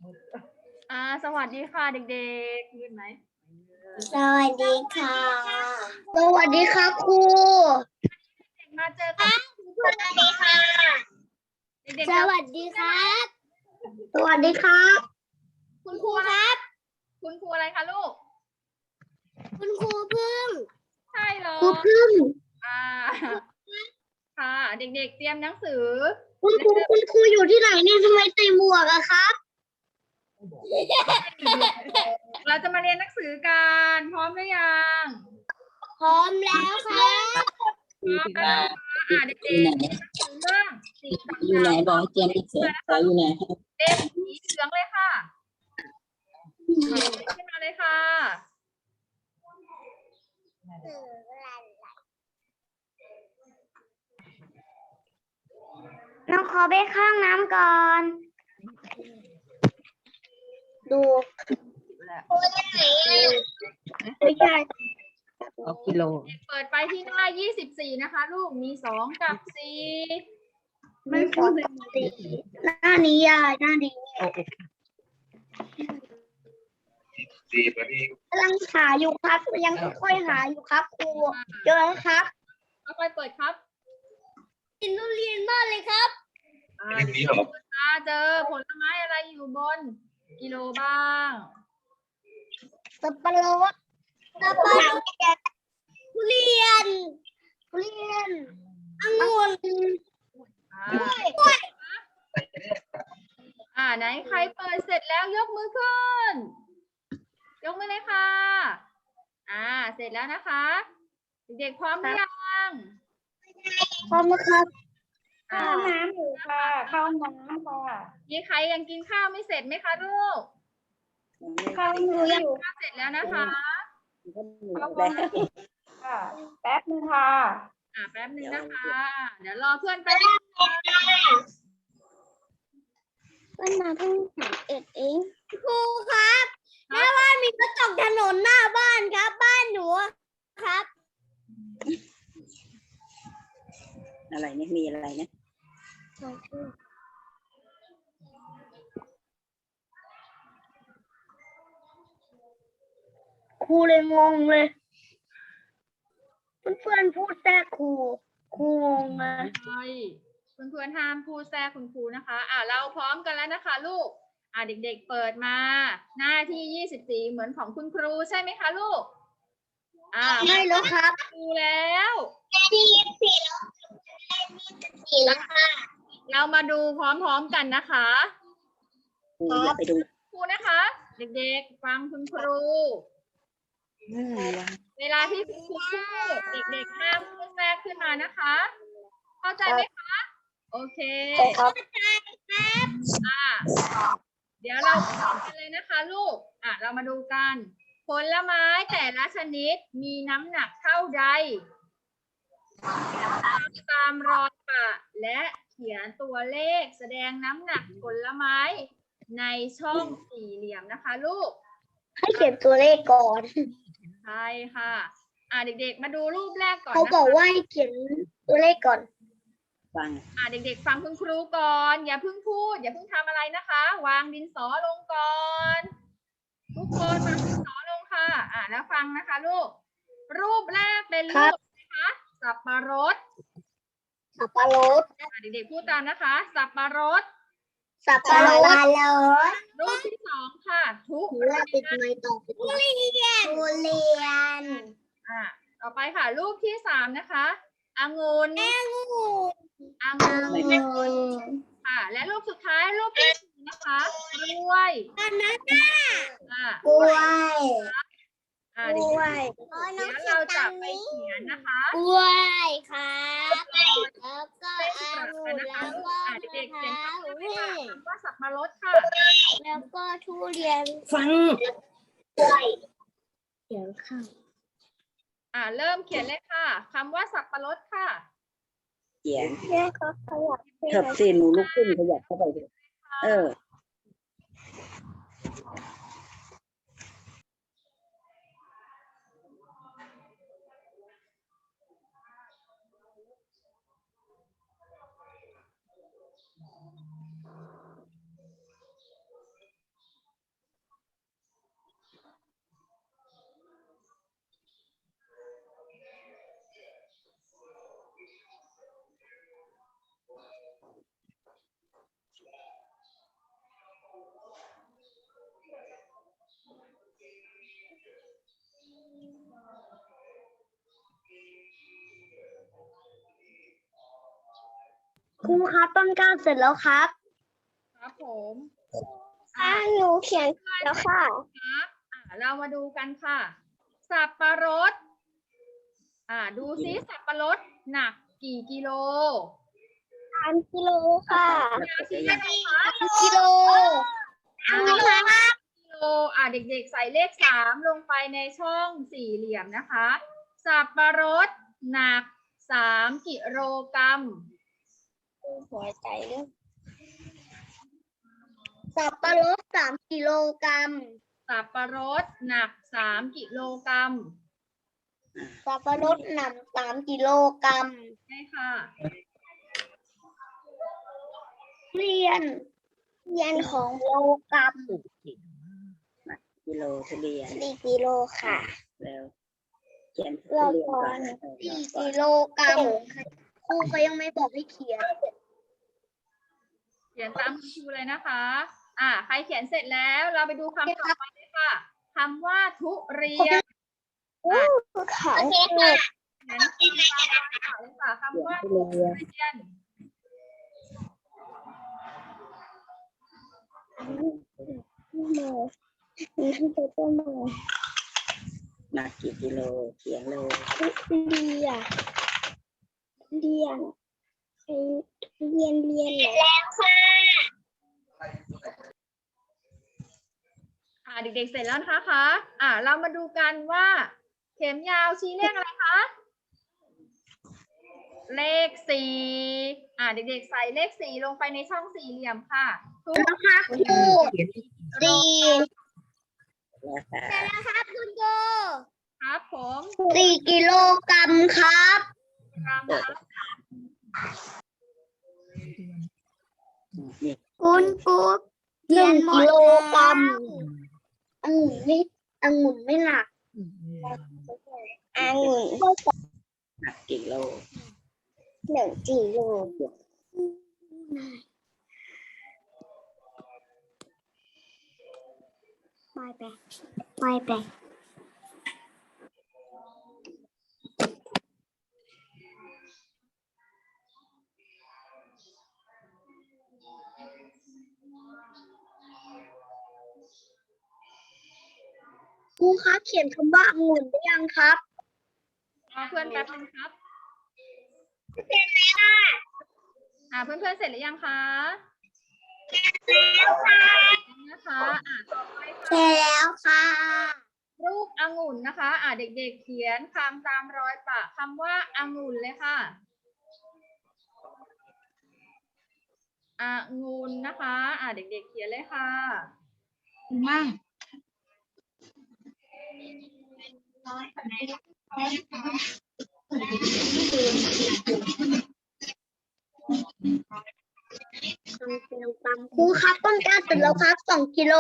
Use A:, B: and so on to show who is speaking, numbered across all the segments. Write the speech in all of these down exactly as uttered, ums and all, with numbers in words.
A: อ่าสวัสดีค่ะเด็กๆยืนไหม
B: สวัสดีค่ะ สวัสดีครับครู
A: เด็กมาเจอกับ
B: สวัสดีค่ะ
A: เด็ก
B: ส
A: ๆ
B: วัสดีครับ สวัสดีครับ
A: คุณครูครับ คุณครูอะไรคะลูก
B: คุณครูพึ่ง
A: ใช่เหรอ
B: ครูพึ่ง
A: อ่าค่ะ เด็กๆเตรียมหนังสือ
B: คุณครูคุณครูอยู่ที่ไหนเนี่ยทำไมใส่หมวกอะครับ
A: เราจะมาเรียนหนังสือกันพร้อมหรือยัง
B: พร้อมแล้วครับ
A: พร้อมแล้วนะคะอ่าเด็กๆเรียนหนังสือเรื่องสิ่งต่างๆ
C: อยู่ไหนบอกให้เตรียมหนังสือขออยู่ไหน
A: เล่มสีเหลืองเลยค่ะขึ้นมาเลยค่ะ
B: น้องขอไปข้างน้ำก่อน ดูไม่ใช่
C: เอากิโล
A: เปิดไปที่หน้ายี่สิบสี่นะคะ ลูก มีสองกับสี่
B: ไม่ขอสีหน้านี้ยายหน้านี้
C: โอ้โห
D: สี่นาที
B: กำลังหาอยู่ครับยังค่อยๆหาอยู่ครับครูเจอแล้วครับ
A: ค่อยๆเปิดครับ
B: กินทุเรียนมากเลยครับ
A: อ่า
D: เรื่องนี้เหรอ
A: อ่าเจอผลไม้อะไรอยู่บนกิโลบ้าง
B: สับปะรดสับปะรดทุเรียนทุเรียนองุ่น
A: อ่าอ่าไหนใครเปิดเสร็จแล้วยกมือขึ้น ยกมือเลยค่ะ อ่า เสร็จแล้วนะคะ เด็กๆพร้อมหรือยัง
B: พร้อมครับ
A: อ่า
E: น้ำอยู่ค่ะเข้าน้ำค่ะ
A: มีใครยังกินข้าวไม่เสร็จไหมคะลูก
E: เข้าหนูอยู่
A: ข้าวเสร็จแล้วนะคะ
E: เข้าน้ำค่ะ แป๊บนึงค่ะ
A: อ่าแป๊บนึงนะคะ เดี๋ยวรอเพื่อนไปบ
B: ก็มาเพิ่งสามเอ็ดเองครูครับหน้าบ้านมีกระจกถนนหน้าบ้านครับ บ้านหนูครับ
C: อะไรเนี่ยมีอะไรเนี่ย
B: ครูเลยงงเลย เพื่อนๆพูดแทรกครูครูงงเลย
A: ใช่เพื่อนๆห้ามพูดแทรกคุณครูนะคะ อ่าเราพร้อมกันแล้วนะคะ ลูก อ่าเด็กๆเปิดมา หน้าที่ยี่สิบสี่เหมือนของคุณครูใช่ไหมคะลูก อ่า
B: ไม่แล้วครับ
A: ครูแล้ว
B: ที่ยี่สิบสี่แล้วสี่แล้วค่ะ
A: เรามาดูพร้อมๆกันนะคะ
C: ครูอย่าไปดู
A: ครูนะคะ เด็กๆฟังคุณครู
C: อืม
A: เวลาที่คุณครูพูดเด็กๆห้ามพูดแทรกขึ้นมานะคะ เข้าใจไหมคะ โอเค
B: ครับ
A: อ่าเดี๋ยวเราไปดูกันเลยนะคะลูก อ่ะเรามาดูกัน ผลไม้แต่ละชนิดมีน้ำหนักเท่าใดตามรอยปะและเขียนตัวเลขแสดงน้ำหนักผลไม้ในช่องสี่เหลี่ยมนะคะลูก
B: ให้เขียนตัวเลขก่อน
A: ใช่ค่ะ อ่าเด็กๆ มาดูรูปแรกก่อน
B: เขา
A: นะ
B: บอก
A: คะ
B: ว่าให้เขียนตัวเลขก่อน
C: ฟัง
A: อ่าเด็กๆ ฟังคุณครูก่อน อย่าเพิ่งพูด อย่าเพิ่งทำอะไรนะคะ วางดินสอลงก่อน ทุกคนวางดินสอลงค่ะ อ่าแล้วฟังนะคะลูก รูปแรกเป็น
B: ครั
A: รู
B: บ
A: ปนะคะสับปะรด
B: สับปะรด
A: อ่าเด็กๆ พูดตามนะคะ สับปะรด
B: สับปะรด
A: รูปที่สองค่ะ ทุ
B: หนู
A: เรี
B: ว่าย ติด
A: น
B: ไม้ต่อไปทุเรียนทุเรียน
A: อ่าต่อไปค่ะ รูปที่สามนะคะองุ่น
B: งู
A: องุ่นค่ะ และรูปสุดท้ายรูปที่สี่นะคะกล้วย
B: บานา
A: อ่า
B: กล้วย
A: อ่าก
B: ล้
A: เด็
B: ว
A: ก
B: ย
A: ๆเดี๋ยวเราจะไปเขียนนะคะ
B: กล้วยครับแล้วก็องุ่นแล้วก็
A: อ่าเด็กๆเขียน
B: มะพร้าว
A: คำว่าสับปะรดค่ะ
B: แล้วก็ทุเรียน
C: ฟัง
B: กล้วยเขียนข้าง
A: อ่าเริ่มเขียนเลยค่ะคำว่าสับปะรดค่ะ
C: เขียน
B: แม่ก็ขยับ
C: เถิบสิหนูลุกขึ้นขยับเข้าไปดิเออ
B: ครูครับต้นกล้าเสร็จแล้วครับ
A: ครับผม
B: อ่าหนูเขียนแล้วค่ะ
A: ครับอ่าเรามาดูกันค่ะ สับปะรด อ่า ดูซิสับปะรดหนักกี่กิโล
B: สามกิโลค่ะ
A: ยาชีเลขอะไรคะ
B: กิโล
A: อ่า
B: กิโลครับ
A: กิโลอ่าเด็กๆใส่เลขสามลงไปในช่องสี่เหลี่ยมนะคะ สับปะรดหนักสามกิโลกรัม
B: หัวใจด้วยสับปะรดสามกิโลกรัม
A: สับปะรดหนักสามกิโลกรัม
B: สับปะรดหนักสามกิโลกรัม
A: ใช่ค่ะ
B: เรียน เรียนของโลกรัม
C: กิโลทุเรียน
B: สี่กิโลค่ะ
C: แล้วเขียนทุ
B: เรา
C: เรียน
B: ก่อ
C: ก่อน
B: น
C: นะเออ
B: สี่
C: ก่อน
B: กิโลกรัมครูก็ยังไม่บอกให้เขียน
A: เขียนตามคุณครูเลยนะคะ อ่า ใครเขียนเสร็จแล้วเราไปดูคำต่อไปเลยค่ะคำว่าทุเรียน
B: ค่ะ
A: เขียนคำตามรอยต่อเลยค่ะคำว่า
C: ทุ
A: ทุ
C: เรียน
A: เรียน
B: มีที่จะต้นไม้
C: หนักกี่กิโลเขียนเลย
B: เรียนเรียนเรียนเรียนแล้วค่ะ
A: อ่า เด็กๆเสร็จแล้วนะคะ อ่า เรามาดูกันว่า เข็มยาวชี้เลขอะไรคะ เลขสี่ อ่า เด็กๆใส่เลขสี่ลงไปในช่องสี่เหลี่ยมค่ะทุก
B: นะคะครูสี่
C: แล้วค่ะ
B: แต่แล้วครับคุณครู
A: ครับผม
B: สี่กิโลกรัมครับ
A: กรัมครับ
C: นี่
B: คุณครูหนึ่งกิโลกรัมองุ่นไม่องุ่นไม่หนักองุ่น
C: หนักกี่โล
B: หนึ่งกิโลไปไปไปไปครูครับเขียนคำว่าองุ่นได้ยังครับ
A: รอเพื่อนแป๊บนึงครับ
B: เสร็จแล้วค่ะ
A: อ่า เพื่อนๆเสร็จหรือยังคะ
B: แล้วค่ะ
A: นะคะ อ่าต่อไป
B: เสร็
A: ค่ะ
B: จแล้วค่ะ
A: รูปองุ่นนะคะ อ่า เด็กๆเขียนคำตามรอยปะคำว่าองุ่นเลยค่ะองุ่นนะคะ อ่า เด็กๆเขียนเลยค่ะมั่ง
B: ครูครับต้นกล้าเสร็จแล้วครับสองกิโล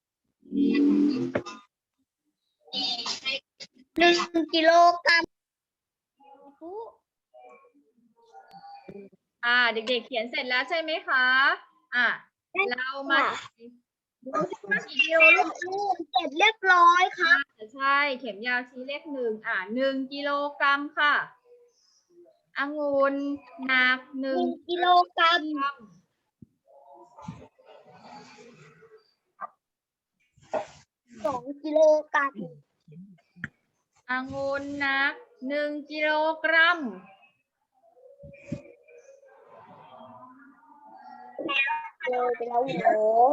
B: หนึ่งกิโลกรัม
A: อ่า เด็กๆเขียนเสร็จแล้วใช่ไหมคะ อ่า เรามาดูว่ากี่กิโลลูก
B: ลูกเสร็จเรียบร้อยครับ
A: อ่าใช่ เข็มยาวชี้เลขหนึ่ง อ่าหนึ่งกิโลกรัมค่ะองุ่นหนักห
B: ห
A: นึ่
B: นึ่
A: ง
B: งกิโลกรัม
A: กรัม
B: สองกิโลกรัม
A: องุ่นหนักหนึ่งกิโลกรัม
B: เลยไปแล้วโห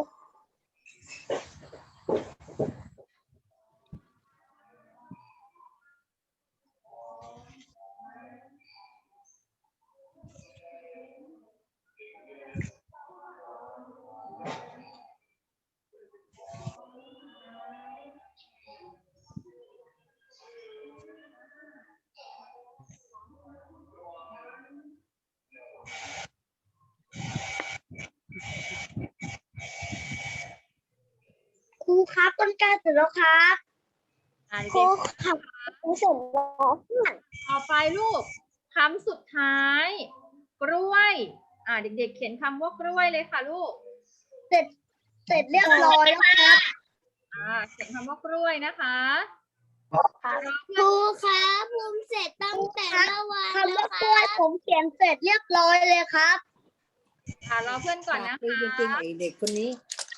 B: ครูครับต้นกล้าเสร็จแล้วครับ
A: อ่า
B: ครู
A: เด็ก
B: ครับครูเสร็จแล้ว
A: ๆต่อไปลูกคำสุดท้าย กล้วย อ่า เด็กๆเขียนคำว่ากล้วยเลยค่ะลูก
B: เสร็จเสร็จเรียบร้อยแล้วครับ
A: อ่า เขียนคำว่ากล้วยนะคะรอ
B: ค
A: เพื่อน
B: รูครับผมเสร็จตั้งแต่เมื่อวานคำว่ากล้วยผมเขียนเสร็จเรียบร้อยเลยครับ
A: อ่ารอเพื่อนก่อนนะ
E: คุย
A: คะ
E: จริงๆไอเด็กคนนี้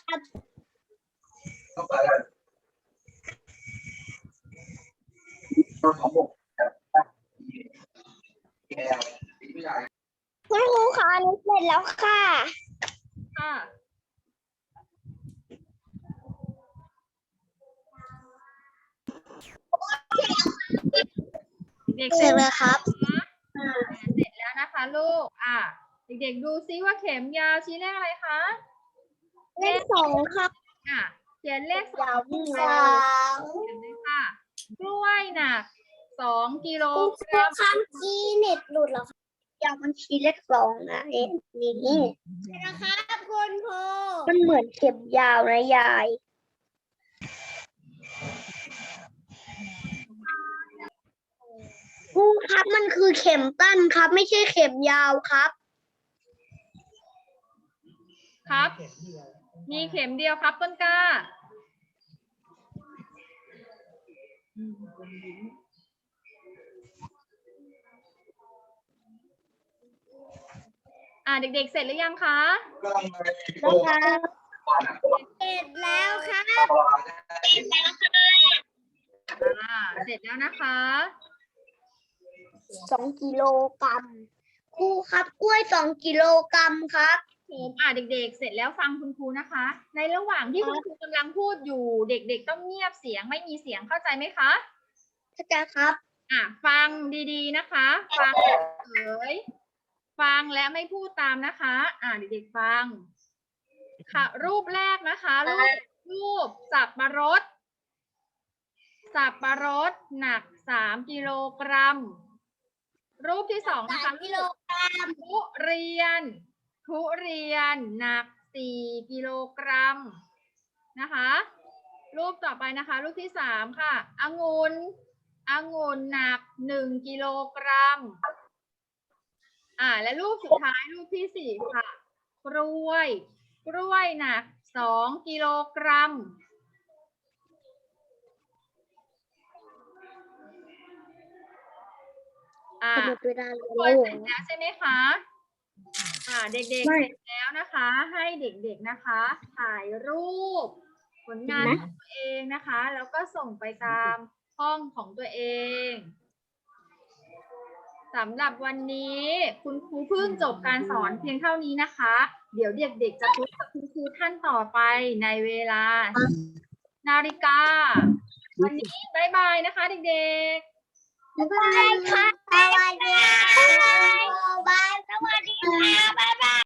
D: ต้องไปแล้วต้นของผมแก้วผู้ใหญ่
B: คุณครูคะหนูเสร็จแล้วค่ะ
A: ค่ะเด็กๆ
B: เสร็จแล้วครับ
A: อ่าเสร็จแล้วนะคะลูก อ่าเด็กๆดูซิว่าเข็มยาวชี้เลขอะไรคะ
B: เลขสองครับ
A: อ่ะเขียนเลขสอง
B: สอง
A: เขียนเลยค่ะกล้วยหนักสองกิโล
B: คุณค
A: ก
B: รู
A: รัม
B: คำชี้เน็ตหลุดเหรอครับยาวมันชี้เลขสองนะเอ็นี่นะครับคุณครูมันเหมือนเข็มยาวนะยายครูครับมันคือเข็มตั้นครับ ไม่ใช่เข็มยาวครับ
A: ครับ มีเข็มเดียวครับต้นกล้า อ่าเด็กๆ เสร็จหรือยังคะ
B: นะครับเสร็จแล้วครับ
A: อ่า เสร็จแล้วนะคะ
B: สองกิโลกรัมครูครับกล้วยสองกิโลกรัมครับ
A: อ่าเด็กๆ เสร็จแล้วฟังคุณครูนะคะ ในระหว่างที่คุณครูกำลังพูดอยู่ เด็กๆ ต้องเงียบเสียงไม่มีเสียงเข้าใจไหมคะ
B: เข้าใจครับ
A: อ่ะฟังดีๆนะคะ ฟังเอ๋ยฟังและไม่พูดตามนะคะ อ่าเด็กๆฟัง ค่ะ รูปแรกนะคะ รูปรูปสับปะรด สับปะรดหนักสามกิโลกรัม รูปที่สองนะคะ
B: กิโลกรัม
A: ทุเรียน ทุเรียนหนักสี่กิโลกรัมนะคะ รูปต่อไปนะคะ รูปที่สามค่ะองุ่นองุ่นหนักหนึ่งกิโลกรัม อ่า และรูปสุดท้ายรูปที่สี่ค่ะ กล้วย กล้วยหนักสองกิโลกรัม อ่า
B: หมดเวลา
A: ทุก
B: แล้
A: คน
B: ว
A: เสร็จแล้วใช่ไหมคะ อ่า เด็กๆ
B: ไม่
A: เสร็จแล้วนะคะ ให้เด็กๆนะคะ ถ่ายรูป ผลงานของตัวเองนะคะ แล้วก็ส่งไปตามห้องของตัวเองสำหรับวันนี้คุณครูเพิ่งจบการสอนเพียงเท่านี้นะคะ เดี๋ยวเด็กๆจะพบกับคุณครูท่านต่อไปในเวลา นาฬิกา วันนี้บ๊ายบายนะคะเด็กๆ
B: บ๊ายบายค่ะสวัสดีค่ะบ๊ายบายสวัสดีค่ะบ๊ายบาย